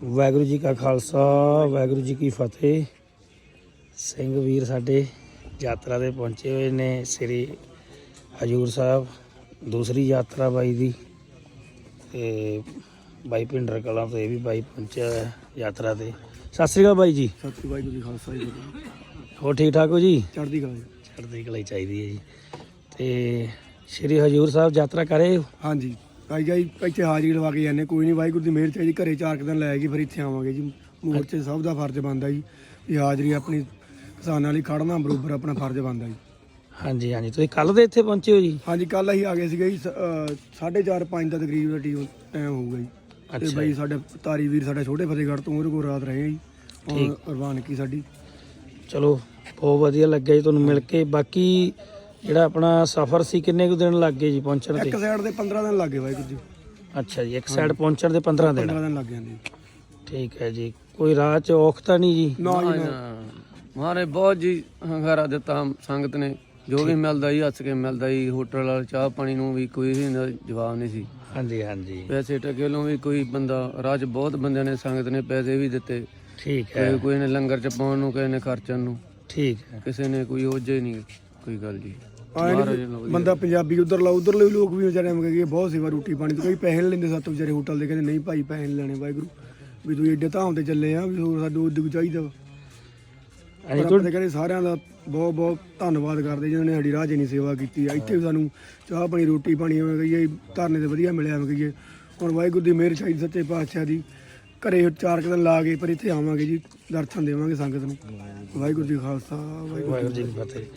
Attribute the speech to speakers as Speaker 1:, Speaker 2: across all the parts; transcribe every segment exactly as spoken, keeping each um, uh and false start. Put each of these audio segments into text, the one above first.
Speaker 1: वाहगुरू जी का खालसा वाहगुरू जी की फतेह। ਸਿੰਘ ਵੀਰ ਸਾਡੇ ਯਾਤਰਾ ਤੇ ਪਹੁੰਚੇ ਹੋਏ ਨੇ ਸ੍ਰੀ ਹਜੂਰ ਸਾਹਿਬ। ਦੂਸਰੀ ਯਾਤਰਾ ਬਾਈ ਦੀ ਤੇ ਬਾਈ ਭਿੰਡਰ ਕਲਾਂ ਤੋਂ ਇਹ ਵੀ ਬਾਈ ਪਹੁੰਚਿਆ ਹੋਇਆ ਯਾਤਰਾ ਤੇ। ਸਤਿ ਸ਼੍ਰੀ ਅਕਾਲ ਬਾਈ ਜੀ।
Speaker 2: ਸਤਿ ਸ਼੍ਰੀ ਅਕਾਲ ਜੀ, ਖਾਲਸਾ ਜੀ।
Speaker 1: ਹੋਰ ਠੀਕ ਠਾਕ ਹੋ ਜੀ?
Speaker 2: ਚੜ੍ਹਦੀ ਕਲਾ।
Speaker 1: ਚੜ੍ਹਦੀ ਕਲਾ ਹੀ ਚਾਹੀਦੀ ਹੈ ਜੀ। ਤੇ ਸ੍ਰੀ ਹਜੂਰ ਸਾਹਿਬ ਯਾਤਰਾ ਕਰੇ?
Speaker 2: ਹਾਂਜੀ ਭਾਈ ਜੀ, ਇੱਥੇ ਹਾਜ਼ਰੀ ਲਵਾ ਕੇ ਜਾਂਦੇ। ਕੋਈ ਨਹੀਂ, ਵਾਹਿਗੁਰੂ ਦੀ ਮਿਹਰ ਚਾਹੀਦੀ। ਘਰੇ ਚਾਰ ਕੁ ਦਿਨ ਲੈ ਕੇ ਫਿਰ ਇੱਥੇ ਆਵਾਂਗੇ ਜੀ। ਮੋਰਚੇ ਸਭ ਦਾ ਫਰਜ਼ ਬਣਦਾ ਜੀ ਵੀ ਹਾਜ਼ਰੀ ਆਪਣੀ ਕਿਸਾਨਾਂ ਲਈ ਖੜਨਾ ਬਰੋਬਰ ਆਪਣਾ ਫਰਜ਼ ਬਣਦਾ ਜੀ।
Speaker 1: ਹਾਂਜੀ ਹਾਂਜੀ, ਤੁਸੀਂ ਕੱਲ ਦੇ ਇੱਥੇ ਪਹੁੰਚੇ ਹੋ ਜੀ?
Speaker 2: ਹਾਂਜੀ, ਕੱਲ ਅਸੀਂ ਆ ਗਏ ਸੀਗੇ ਜੀ। ਸਾਢੇ ਚਾਰ ਪੰਜ ਦਾ ਤਕਰੀਬਨ ਟੀਮ ਟਾਈਮ ਹੋਊਗਾ ਜੀ। ਤੇ ਬਾਈ ਸਾਡੇ ਤਾਰੀ ਵੀਰ ਸਾਡਾ ਛੋਟੇ ਫਤਿਹਗੜ੍ਹ ਤੋਂ ਉਹਦੇ ਕੋਲ ਰਾਤ ਰਹੇ ਜੀ। ਪ੍ਰਵਾਨਗੀ ਸਾਡੀ।
Speaker 1: ਚਲੋ ਬਹੁਤ ਵਧੀਆ ਲੱਗਿਆ ਜੀ ਤੁਹਾਨੂੰ ਮਿਲ ਕੇ। ਬਾਕੀ ਜਿਹੜਾ ਆਪਣਾ ਸਫ਼ਰ ਸੀ ਕਿੰਨੇ ਕੁ ਦਿਨ ਲੱਗ ਗਏ ਜੀ ਪਹੁੰਚਣ ਤੇ?
Speaker 2: ਇੱਕ ਸਾਈਡ ਦੇ ਪੰਦਰਾਂ ਦਿਨ ਲੱਗ ਗਏ ਵਾਹਿਗੁਰੂ ਜੀ।
Speaker 1: ਅੱਛਾ ਜੀ, ਇੱਕ ਸਾਈਡ ਪਹੁੰਚਣ ਦੇ ਪੰਦਰਾਂ ਦਿਨ
Speaker 2: ਪੰਦਰਾਂ ਦਿਨ ਲੱਗ ਜਾਂਦੇ।
Speaker 1: ਠੀਕ ਹੈ ਜੀ। ਕੋਈ ਰਾਹ ਚ ਔਖ ਤਾਂ ਨਹੀਂ ਜੀ?
Speaker 2: ਨਾ ਜੀ ਨਾ,
Speaker 3: ਮਾਰੇ ਬਹੁਤ ਜੀ ਹੰਗਾਰਾ ਦਿੱਤਾ ਸੰਗਤ ਨੇ। ਜੋ ਵੀ ਮਿਲਦਾ ਜੀ ਹੱਸ ਕੇ ਮਿਲਦਾ ਜੀ। ਹੋਟਲ ਵਾਲਾ ਚਾਹ ਪਾਣੀ ਨੂੰ ਵੀ ਕੋਈ ਜਵਾਬ ਨਹੀਂ ਸੀ।
Speaker 1: ਹਾਂਜੀ ਹਾਂਜੀ,
Speaker 3: ਪੈਸੇ ਟਕੇ ਨੂੰ ਵੀ ਕੋਈ ਬੰਦਾ ਰਾਹ 'ਚ ਬਹੁਤ ਬੰਦਿਆਂ ਨੇ ਸੰਗਤ ਨੇ ਪੈਸੇ ਵੀ ਦਿੱਤੇ।
Speaker 1: ਠੀਕ ਹੈ।
Speaker 3: ਕੋਈ ਨੇ ਲੰਗਰ ਚ ਪਾਉਣ ਨੂੰ, ਕਿਸੇ ਨੇ ਖਰਚਣ ਨੂੰ।
Speaker 1: ਠੀਕ ਹੈ।
Speaker 3: ਕਿਸੇ ਨੇ ਕੋਈ ਉਹਜੇ ਨਹੀਂ ਕੋਈ ਗੱਲ ਜੀ।
Speaker 2: ਬੰਦਾ ਪੰਜਾਬੀ ਉਧਰ ਲਾ ਉਧਰਲੇ ਲੋਕ ਵੀ ਵਿਚਾਰੇ ਐਵੇਂ ਬਹੁਤ ਸੇਵਾ ਰੋਟੀ ਪਾਣੀ ਤੋਂ ਕਈ ਪੈਸੇ ਨਹੀਂ ਲੈਂਦੇ ਸਾਤੋਂ ਵਿਚਾਰੇ ਹੋਟਲ ਦੇ। ਕਹਿੰਦੇ ਨਹੀਂ ਭਾਈ ਪੈਸੇ ਨਹੀਂ ਲੈਣੇ, ਵਾਹਿਗੁਰੂ ਵੀ ਤੁਸੀਂ ਏਡੇ ਧਾਮ ਤੇ ਚੱਲੇ ਆ ਵੀ ਹੋਰ ਸਾਨੂੰ ਉਦੋਂ ਚਾਹੀਦਾ ਵਾ। ਆਪਣੇ ਕਹਿੰਦੇ ਸਾਰਿਆਂ ਦਾ ਬਹੁਤ ਬਹੁਤ ਧੰਨਵਾਦ ਕਰਦੇ ਜਿਹਨਾਂ ਨੇ ਸਾਡੀ ਰਾਹ 'ਚ ਇੰਨੀ ਸੇਵਾ ਕੀਤੀ ਆ। ਇੱਥੇ ਵੀ ਸਾਨੂੰ ਚਾਹ ਪਾਣੀ ਰੋਟੀ ਪਾਣੀ ਐਵੇਂ ਕਹੀਏ ਧਰਨੇ ਤੇ ਵਧੀਆ ਮਿਲਿਆ ਐਵੇਂ ਕਹੀਏ। ਹੁਣ ਵਾਹਿਗੁਰੂ ਦੀ ਮਿਹਰ ਚਾਹੀਦੀ ਸੱਚੇ ਪਾਤਸ਼ਾਹ ਦੀ। ਘਰੇ ਚਾਰ ਕੁ ਦਿਨ ਲਾ ਕੇ ਪਰ ਇੱਥੇ ਆਵਾਂਗੇ ਜੀ, ਦਰਸ਼ਨ ਦੇਵਾਂਗੇ ਸੰਗਤ ਨੂੰ। ਵਾਹਿਗੁਰੂ ਜੀ ਖਾਲਸਾ
Speaker 1: ਵਾਹਿਗੁਰੂ ਜੀ ਕੀ ਫਤਿਹ।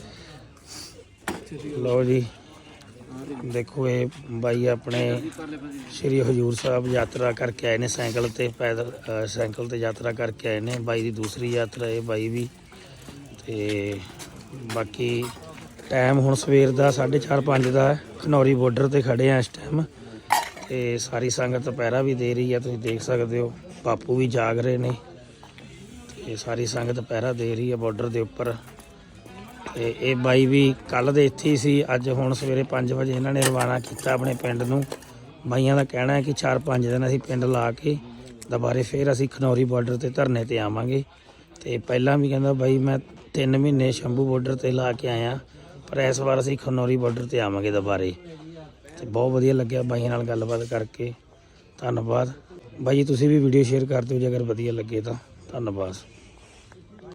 Speaker 1: ਲਓ ਜੀ ਦੇਖੋ, ਇਹ ਬਾਈ ਆਪਣੇ ਸ੍ਰੀ ਹਜੂਰ ਸਾਹਿਬ ਯਾਤਰਾ ਕਰਕੇ ਆਏ ਨੇ ਸਾਈਕਲ ਤੇ। ਪੈਦਲ ਸਾਈਕਲ ਤੇ ਯਾਤਰਾ ਕਰਕੇ ਆਏ ਨੇ। ਬਾਈ ਦੀ ਦੂਸਰੀ ਯਾਤਰਾ ਇਹ ਬਾਈ ਵੀ। ਤੇ ਬਾਕੀ ਟਾਈਮ ਹੁਣ ਸਵੇਰ ਦਾ ਸਾਢੇ ਚਾਰ ਪੰਜ ਦਾ। ਖਨੌਰੀ ਬਾਰਡਰ ਤੇ ਖੜੇ ਆ ਇਸ ਟਾਈਮ। ਤੇ ਸਾਰੀ ਸੰਗਤ ਪਹਿਰਾ ਵੀ ਦੇ ਰਹੀ ਹੈ, ਤੁਸੀਂ ਦੇਖ ਸਕਦੇ ਹੋ। ਬਾਪੂ ਵੀ ਜਾਗ ਰਹੇ ਨੇ ਤੇ ਸਾਰੀ ਸੰਗਤ ਪਹਿਰਾ ਦੇ ਰਹੀ ਹੈ ਬਾਰਡਰ ਦੇ ਉੱਪਰ। ਤੇ ਇਹ ਬਾਈ ਵੀ ਕੱਲ੍ਹ ਦੇ ਇੱਥੇ ਹੀ ਸੀ। ਅੱਜ ਹੁਣ ਸਵੇਰੇ ਪੰਜ ਵਜੇ ਇਹਨਾਂ ਨੇ ਰਵਾਨਾ ਕੀਤਾ ਆਪਣੇ ਪਿੰਡ ਨੂੰ। ਬਾਈਆਂ ਦਾ ਕਹਿਣਾ ਹੈ ਕਿ ਚਾਰ ਪੰਜ ਦਿਨ ਅਸੀਂ ਪਿੰਡ ਲਾ ਕੇ ਦੁਬਾਰੇ ਫਿਰ ਅਸੀਂ ਖਨੌਰੀ ਬਾਰਡਰ ਤੇ ਧਰਨੇ ਤੇ ਆਵਾਂਗੇ। ਤੇ ਪਹਿਲਾਂ ਵੀ ਕਹਿੰਦਾ ਬਾਈ ਮੈਂ ਤਿੰਨ ਮਹੀਨੇ ਸ਼ੰਭੂ ਬਾਰਡਰ ਤੇ ਲਾ ਕੇ ਆਇਆ, ਪਰ ਇਸ ਵਾਰ ਅਸੀਂ ਖਨੌਰੀ ਬਾਰਡਰ ਤੇ ਆਵਾਂਗੇ ਦੁਬਾਰੇ। ਤੇ ਬਹੁਤ ਵਧੀਆ ਲੱਗਿਆ ਬਾਈਆਂ ਨਾਲ ਗੱਲਬਾਤ ਕਰਕੇ। ਧੰਨਵਾਦ ਬਾਈ ਜੀ। ਤੁਸੀਂ ਵੀ ਵੀਡੀਓ ਸ਼ੇਅਰ ਕਰ ਦਿਓ ਜੇ ਅਗਰ ਵਧੀਆ ਲੱਗੇ ਤਾਂ। ਧੰਨਵਾਦ।